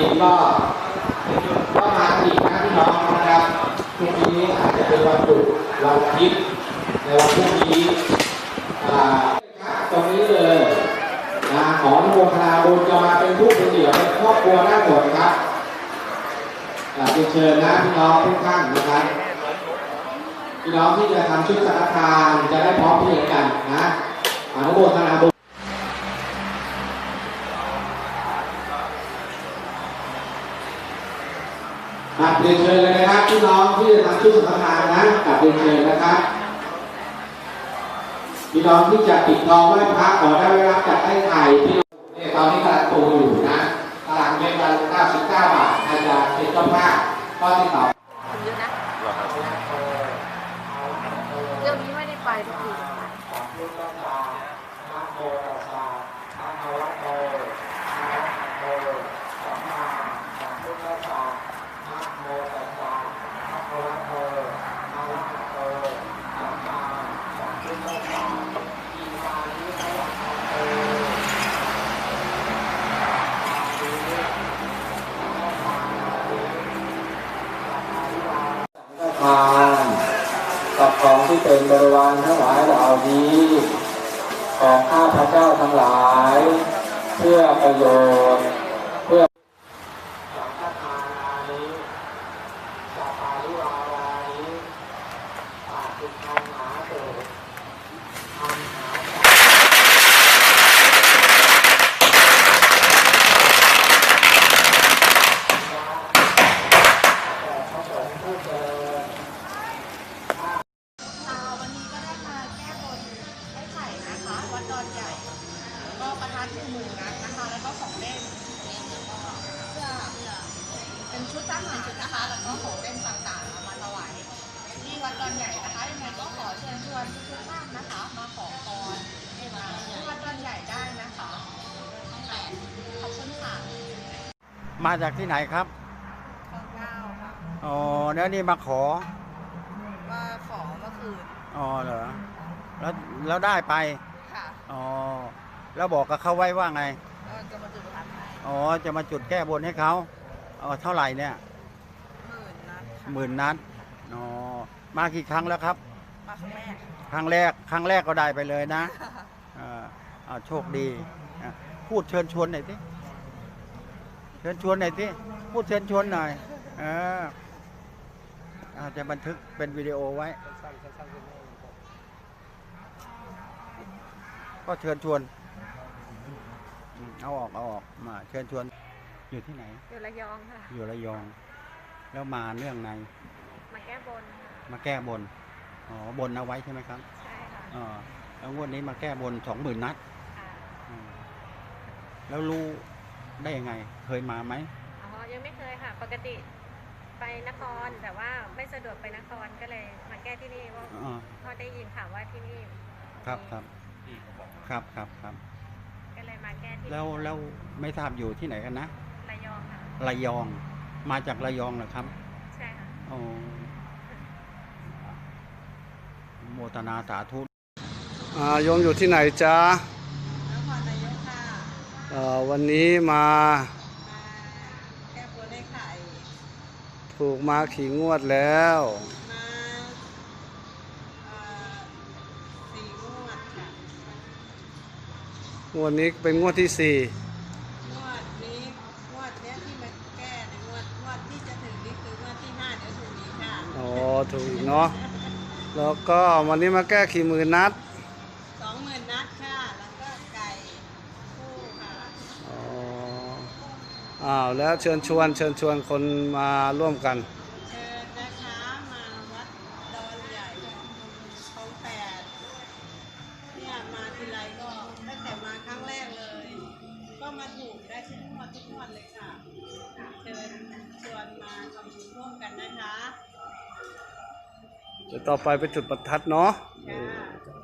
ห็นก็มาอีกนะพี่น้องนะครับพรุ่งนี้อาจจะเป็นวันหยุดวันอาทิตย์ในวันพรุ่งนี้ตรงนี้เลยนะขออนุโมทนาบุญจะมาเป็นผู้เป็นเดี่ยวเป็นครอบครัวได้หมดครับเชิญนะพี่น้องทุกท่านนะครับพี่น้องที่จะทำชุดสังฆทานจะได้พร้อมเพรียงกันนะอนุโมทนาบุญเรียนเชิญเลยนะครับพี่น้องที่จะทำชุดสังฆทานนะเรียนเชิญนะครับพี่น้องที่จะปิดทองไหว้พระขอได้รับจากไอ้ไข่ที่ตอนนี้กำลังโตอยู่นะตลาดเมตรละ99 บาทอาจจะเป็นเจ้าภาพก็ติดต่อเยอะนะเรื่องนี้ไม่ได้ไปทุกทีทานกับของที่เป็นบริวารทั้งหลายเหล่านี้ของข้าพเจ้าทั้งหลายเพื่อประโยชน์เพื่อสังฆทานานิสัพพาริวารานิปาติคันหาเตอันหาวัดดอนใหญ่แล้วก็ประทัด10,000 นัดนะคะแล้วก็ของเล่นเพื่อเป็นชุดทหารนะคะแล้วก็ของเล่นต่างๆมาถวายที่วัดดอนใหญ่นะคะยังไงก็ขอเชิญชวนทุกท่านนะคะมาขอพรที่วัดดอนใหญ่ได้นะคะขอบคุณค่ะมาจากที่ไหนครับคลอง9ค่ะอ๋อแล้วนี่มาขอเมื่อคืนอ๋อเหรอแล้วได้ไปค่ะอ๋อแล้วบอกกับเขาไว้ว่าไงก็จะมาจุดประทัดให้อ๋อจะมาจุดแก้บนให้เขาเท่าไหร่เนี่ย 10,000 นัดอ๋อมากี่ครั้งแล้วครับมาครั้งแรกก็ได้ไปเลยนะโชคดีพูดเชิญชวนหน่อยสิเชิญชวนหน่อยสิพูดเชิญชวนหน่อยจะบันทึกเป็นวิดีโอไว้ก็เชิญชวนเอาออกมาเชิญชวนอยู่ที่ไหนอยู่ระยองค่ะอยู่ระยองแล้วมาเรื่องไหนมาแก้บนมาแก้บนอ๋อบนเอาไว้ใช่ไหมครับใช่ค่ะแล้วงวดนี้มาแก้บน20,000 นัดแล้วรู้ได้ยังไงเคยมาไหมยังไม่เคยค่ะปกติไปนครแต่ว่าไม่สะดวกไปนครก็เลยมาแก้ที่นี่ว่าพอได้ยินข่าวว่าที่นี่ครับก็เลยมาแก้ที่แล้วไม่ทราบอยู่ที่ไหนกันนะระยองค่ะระยองมาจากระยองเหรอครับใช่ค่ะโมทนาสาธุโยมอยู่ที่ไหนจ๊ะนครนายกค่ะวันนี้มาแก้บนให้ไข่ถูกมาขี่งวดแล้วงวดนี้เป็นงวดที่4 งวดนี้ที่มาแก้ในงวดที่จะถึงนี่คืองวดที่5เดี๋ยวถูกอีกค่ะถูกอีกเนาะแล้วก็วันนี้มาแก้กี่หมื่นนัด 20,000 นัดค่ะแล้วก็ไก่คู่ค่ะแล้วเชิญชวนคนมาร่วมกันเชิญนะคะมาวัดดอนใหญ่คลอง8เนี่ยมาทีไรก็ตั้งแต่มาครั้งแรกเลยก็มาถูกได้ทุกงวดเลยค่ะเชิญชวนมาทำบุญร่วมกันนะคะเดี๋ยวต่อไปไปจุดประทัดเนาะ